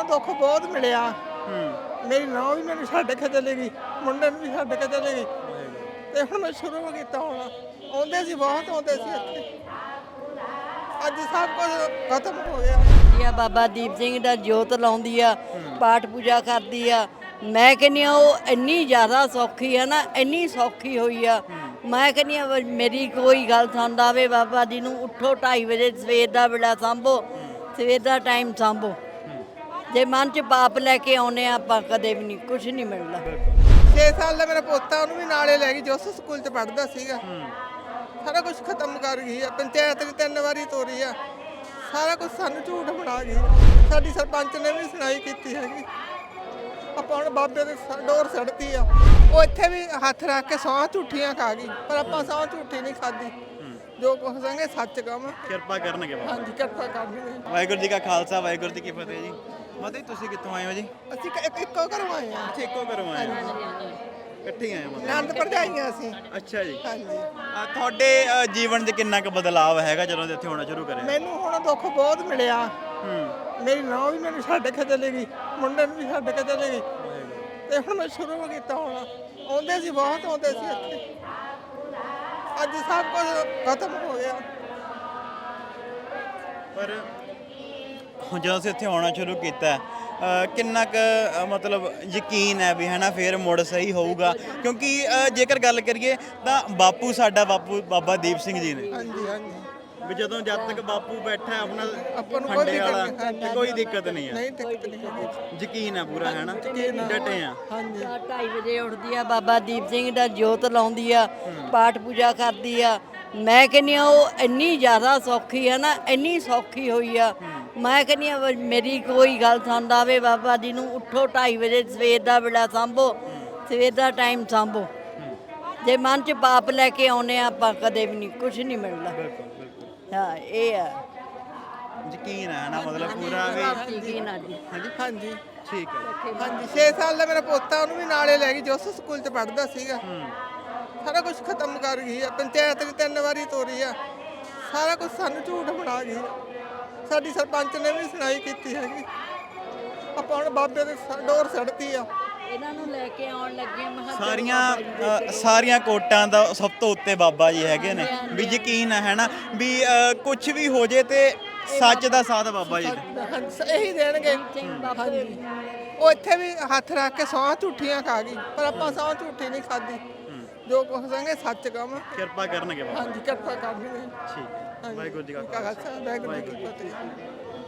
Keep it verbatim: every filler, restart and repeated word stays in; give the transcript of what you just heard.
ਦੁੱਖ ਬਹੁਤ ਮਿਲਿਆ। ਹੂੰ ਮੇਰੀ ਨੂੰਹ ਵੀ ਮੈਨੂੰ ਛੱਡ ਕੇ ਚਲੀ ਗਈ, ਮੁੰਡੇ ਨੂੰ ਵੀ ਛੱਡ ਕੇ ਚਲੀ ਗਈ ਤੇ ਹੁਣ ਮੈਂ ਸ਼ੁਰੂ ਕੀਤਾ ਹੁਣ। ਆਉਂਦੇ ਸੀ, ਬਹੁਤ ਆਉਂਦੇ ਸੀ ਇੱਥੇ, ਅੱਜ ਸਭ ਕੁਝ ਖਤਮ ਹੋ ਗਿਆ। ਆ ਬਾਬਾ ਦੀਪ ਸਿੰਘ ਦਾ ਜੋਤ ਲਾਉਂਦੀ ਆ, ਪਾਠ ਪੂਜਾ ਕਰਦੀ ਆ। ਮੈਂ ਕਹਿੰਦੀ ਆ ਉਹ ਇੰਨੀ ਜ਼ਿਆਦਾ ਸੌਖੀ ਆ ਨਾ, ਇੰਨੀ ਸੌਖੀ ਹੋਈ ਆ। ਮੈਂ ਕਹਿੰਦੀ ਆ ਮੇਰੀ ਕੋਈ ਗੱਲ ਸੁਣਦਾ ਆਵੇ ਬਾਬਾ ਜੀ ਨੂੰ ਉੱਠੋ ਢਾਈ ਵਜੇ ਸਵੇਰ ਦਾ ਵੇਲਾ ਸਾਂਭੋ, ਸਵੇਰ ਦਾ ਟਾਈਮ ਸਾਂਭੋ। ਜੇ ਮਨ 'ਚ ਪਾਪ ਲੈ ਕੇ ਆਉਨੇ ਆ ਆਪਾਂ ਕਦੇ ਵੀ ਨਹੀਂ, ਕੁਝ ਨਹੀਂ ਮਿਲਦਾ। ਛੇ ਸਾਲ ਦਾ ਮੇਰਾ ਪੋਤਾ, ਉਹਨੂੰ ਵੀ ਨਾਲੇ ਲੈ ਗਈ, ਜੋ ਉਸ ਸਕੂਲ 'ਚ ਪੜ੍ਹਦਾ ਸੀਗਾ। ਸਾਰਾ ਕੁਝ ਖਤਮ ਕਰ ਗਈ ਆ। ਪੰਚਾਇਤ ਵੀ ਤਿੰਨ ਵਾਰੀ ਤੋਰੀ ਆ, ਸਾਰਾ ਕੁਝ ਸਾਨੂੰ ਝੂਠ ਬਣਾ ਗਈ। ਸਾਡੀ ਸਰਪੰਚ ਨੇ ਵੀ ਸੁਣਾਈ ਕੀਤੀ ਹੈਗੀ। ਆਪਾਂ ਹੁਣ ਬਾਬੇ ਦੇ ਡੋਰ ਸੜਤੀ ਆ। ਉਹ ਇੱਥੇ ਵੀ ਹੱਥ ਰੱਖ ਕੇ ਸੌਂ ਝੂਠੀਆਂ ਖਾ ਗਈ, ਪਰ ਆਪਾਂ ਸੌਂ ਝੂਠੀ ਨਹੀਂ ਖਾਦੀ। ਜੋ ਕੁਛ ਸੰਗੇ ਸੱਚ ਕਹਾਂ। ਕਿਰਪਾ ਕਰਨਗੇ ਬਾਬਾ। ਹਾਂਜੀ, ਕਿਰਪਾ ਕਰਨਗੇ। ਵਾਹਿਗੁਰੂ ਜੀ ਕਾ ਖਾਲਸਾ, ਵਾਹਿਗੁਰੂ ਜੀ ਕੀ ਫਤਿਹ ਜੀ। ਮਾਤਾ ਜੀ ਤੁਸੀਂ ਕਿੱਥੋਂ ਆਏ ਹੋ ਜੀ? ਅਸੀਂ ਇੱਕ ਇੱਕੋ ਘਰੋਂ ਆਏ ਆ। ਅੱਛਾ, ਇੱਕੋ ਘਰੋਂ ਆਏ ਹੋ, ਇਕੱਠੇ ਆਏ ਹੋ ਮਾਤਾ? ਆਨੰਦ ਭਰਜਾਈਆਂ ਅਸੀਂ। ਅੱਛਾ ਜੀ। ਹਾਂਜੀ, ਅ, ਤੁਹਾਡੇ ਅ, ਜੀਵਨ 'ਚ ਕਿੰਨਾ ਕੁ ਬਦਲਾਅ ਹੈਗਾ ਜਦੋਂ ਦੇ ਇੱਥੇ ਹੋਣਾ ਸ਼ੁਰੂ ਕਰਿਆ? ਮੈਨੂੰ ਹੁਣ ਦੁੱਖ ਬਹੁਤ ਮਿਲਿਆ। ਹੂੰ ਮੇਰੀ ਨੂੰਹ ਵੀ ਮੈਨੂੰ ਛੱਡ ਕੇ ਚਲੀ ਗਈ, ਮੁੰਡੇ ਨੂੰ ਵੀ ਛੱਡ ਕੇ ਚਲੀ ਗਈ ਤੇ ਹੁਣ ਮੈਂ ਸ਼ੁਰੂ ਕੀਤਾ ਹੁਣ। ਆਉਂਦੇ ਸੀ, ਬਹੁਤ ਆਉਂਦੇ ਸੀ ਇੱਥੇ, ਅੱਜ ਸਭ ਕੁਝ ਖਤਮ ਹੋ ਗਿਆ। ਪਰ ਹੁਣ ਜਦੋਂ ਅਸੀਂ ਇੱਥੇ ਆਉਣਾ ਸ਼ੁਰੂ ਕੀਤਾ ਅ, ਕਿੰਨਾ ਕੁ ਅ, ਮਤਲਬ ਯਕੀਨ ਹੈ ਵੀ ਹੈ ਨਾ ਫੇਰ ਮੁੜ ਸਹੀ ਹੋਊਗਾ? ਕਿਉਂਕਿ ਅ, ਜੇਕਰ ਗੱਲ ਕਰੀਏ ਤਾਂ ਬਾਪੂ ਸਾਡਾ ਬਾਪੂ ਬਾਬਾ ਦੀਪ ਸਿੰਘ ਜੀ ਨੇ, ਹਾਂਜੀ ਹਾਂਜੀ, ਵੀ ਜਦੋਂ ਜਦ ਤੱਕ ਬਾਪੂ ਬੈਠਾ ਹੈ ਆਪਣਾ ਆਪਾਂ ਨੂੰ ਕੋਈ ਖੰਡੇ ਦਿੱਕਤ ਵਾਲਾ ਨਹੀਂ। ਹਾਂਜੀ, ਤੇ ਕੋਈ ਦਿੱਕਤ ਨਹੀਂ ਹੈ, ਨਹੀਂ ਦਿੱਕਤ ਨਹੀਂ ਹੈਗੀ। ਯਕੀਨ ਹੈ ਪੂਰਾ, ਹੈ ਨਾ? ਯਕੀਨ ਆ। ਡਟੇ ਆ। ਹਾਂਜੀ, ਢਾਈ ਵਜੇ ਉੱਠਦੀ ਆ, ਬਾਬਾ ਦੀਪ ਸਿੰਘ ਦਾ ਜੋਤ ਲਾਉਂਦੀ ਆ, ਪਾਠ ਪੂਜਾ ਕਰਦੀ ਆ। ਮੈਂ ਕਹਿੰਦੀ ਆ ਉਹ ਇੰਨੀ ਜ਼ਿਆਦਾ ਸੌਖੀ ਆ ਨਾ, ਇੰਨੀ ਸੌਖੀ ਹੋਈ ਆ। ਮੈਂ ਕਹਿੰਦੀ ਆ ਮੇਰੀ ਕੋਈ ਗੱਲ ਸੁਣਦਾ ਆਵੇ ਬਾਬਾ ਜੀ ਨੂੰ ਉੱਠੋ ਢਾਈ ਵਜੇ ਸਵੇਰ ਦਾ ਵੇਲਾ ਸਾਂਭੋ, ਸਵੇਰ ਦਾ ਟਾਈਮ ਸਾਂਭੋ। ਜੇ ਮਨ 'ਚ ਪਾਪ ਲੈ ਕੇ ਆਉਨੇ ਆ ਆਪਾਂ ਕਦੇ ਵੀ ਨਹੀਂ, ਕੁਝ ਨਹੀਂ ਮਿਲਦਾ। ਹਾਂ, ਇਹ ਆ ਯਕੀਨ ਹੈ ਨਾ, ਮਤਲਬ ਪੂਰਾ ਵੀ। ਯਕੀਨ ਆ ਜੀ। ਹਾਂਜੀ ਹਾਂਜੀ, ਠੀਕ ਹੈ। ਹਾਂਜੀ, ਛੇ ਸਾਲ ਦਾ ਮੇਰਾ ਪੋਤਾ, ਉਹਨੂੰ ਵੀ ਨਾਲੇ ਲੈ ਗਈ, ਜੋ ਉਸ ਸਕੂਲ 'ਚ ਪੜ੍ਹਦਾ ਸੀਗਾ। ਸਾਰਾ ਕੁਝ ਖਤਮ ਕਰ ਗਈ ਆ। ਪੰਚਾਇਤ ਵੀ ਤਿੰਨ ਵਾਰੀ ਤੋਰੀ ਆ, ਸਾਰਾ ਕੁਝ ਸਾਨੂੰ ਝੂਠ ਬਣਾ ਗਈ। ਸਾਡੀ ਸਰਪੰਚ ਨੇ ਵੀ ਸੁਣਾਈ ਕੀਤੀ ਹੈਗੀ। ਆਪਾਂ ਹੁਣ ਬਾਬੇ ਦੇ ਡੋਰ ਸੜਤੀ ਆ। ਇਹਨਾਂ ਨੂੰ ਲੈ ਕੇ ਆਉਣ ਲੱਗੇ ਮੈਂ ਕਿਹਾ ਸਾਰੀਆਂ ਅ, ਸਾਰੀਆਂ ਕੋਟਾਂ ਦਾ ਸਭ ਤੋਂ ਉੱਤੇ ਬਾਬਾ ਜੀ ਹੈਗੇ ਨੇ, ਵੀ ਯਕੀਨ ਹੈ ਨਾ ਵੀ ਕੁਝ ਵੀ ਹੋ ਜੇ ਤੇ ਸੱਚ ਦਾ ਸਾਥ ਬਾਬਾ ਜੀ ਨੇ। ਹਾਂਜੀ, ਇਹੀ ਦੇਣਗੇ। ਹਾਂਜੀ, ਉਹ ਇੱਥੇ ਵੀ ਹੱਥ ਰੱਖ ਕੇ ਸੌਂ ਝੂਠੀਆਂ ਖਾ ਗਈ, ਪਰ ਆਪਾਂ ਸੌਂ ਝੂਠੀ ਨਹੀਂ ਖਾਦੀ। ਜੋ ਕੁਛ ਸੰਗੇ ਸੱਚ ਕਹਾਂ। ਕਿਰਪਾ ਕਰਨਗੇ ਬਾਬਾ। ਹਾਂਜੀ, ਕਿਰਪਾ ਕਰਨਗੇ। ਠੀਕ ਹੈ। ਵਾਹਿਗੁਰੂ ਜੀ ਕਾ ਖਾਲਸਾ, ਵਾਹਿਗੁਰੂ ਜੀ ਕੀ ਫਤਿਹ।